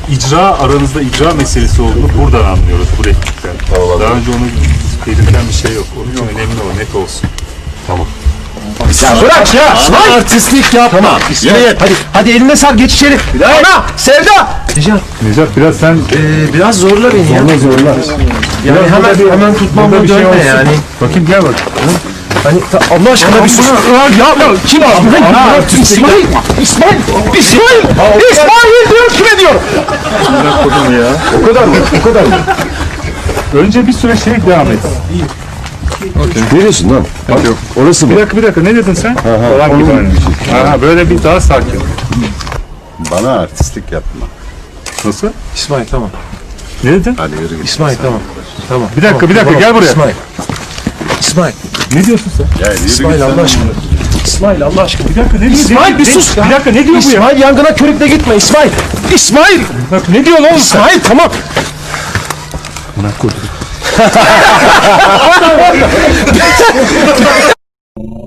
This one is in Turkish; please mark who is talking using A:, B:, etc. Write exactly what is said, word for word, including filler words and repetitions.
A: icra aranızda icra meselesi olduğunu buradan anlıyoruz bu replikten. Daha önce onu belirten bir şey yok. Onun için önemli o, net olsun.
B: Tamam.
C: Ya bırak ya.
B: Ama artistlik yapma. Tamam.
C: İsmail, hadi, hadi eline sar, geç içeri. Ana, Sevda. Necat,
A: Necat biraz sen
C: ee, biraz zorla beni ya.
B: Zorla zorla.
C: Yani
A: Biraz
C: hemen
A: burada bir-
C: hemen tutmam
A: burada
C: bu
A: bir şey
C: dönme
A: olsun.
C: yani.
A: Bakayım gel bak.
C: Hani ta- Allah aşkına bir sus. Ya, ya kim İsmail? İsmail, İsmail, İsmail, İsmail diyor, kime diyor?
B: O kadar mı? O kadar mı?
A: Önce bir süre şey devam et.
B: Ne diyorsun lan? Bak,
A: Yok.
B: orası
A: Bir
B: mı?
A: dakika bir dakika ne dedin sen?
B: ha,
A: Falan
B: onun
A: gibi
B: gibi
A: hani.
B: bir şey.
A: Ha, böyle bir daha sakin.
D: Bana artistlik yapma.
A: Nasıl?
C: İsmail tamam.
A: Ne dedin?
D: Hadi yürü git.
C: İsmail tamam. Tamam.
A: Bir dakika
C: tamam,
A: bir dakika
C: tamam.
A: gel buraya.
C: İsmail. İsmail.
A: Ne diyorsun sen?
D: Ya yürü
C: İsmail
D: git
C: Allah
D: sen.
C: aşkına. İsmail Allah aşkına.
A: Bir dakika ne diyor?
C: İsmail
A: Ne-
C: bir
A: ne-
C: sus ya.
A: Bir dakika ne diyor bu ya?
C: İsmail yangına körükle gitme İsmail. İsmail.
A: Bak ne diyorsun oğlum sen?
C: İsmail tamam.
A: Buna koydum.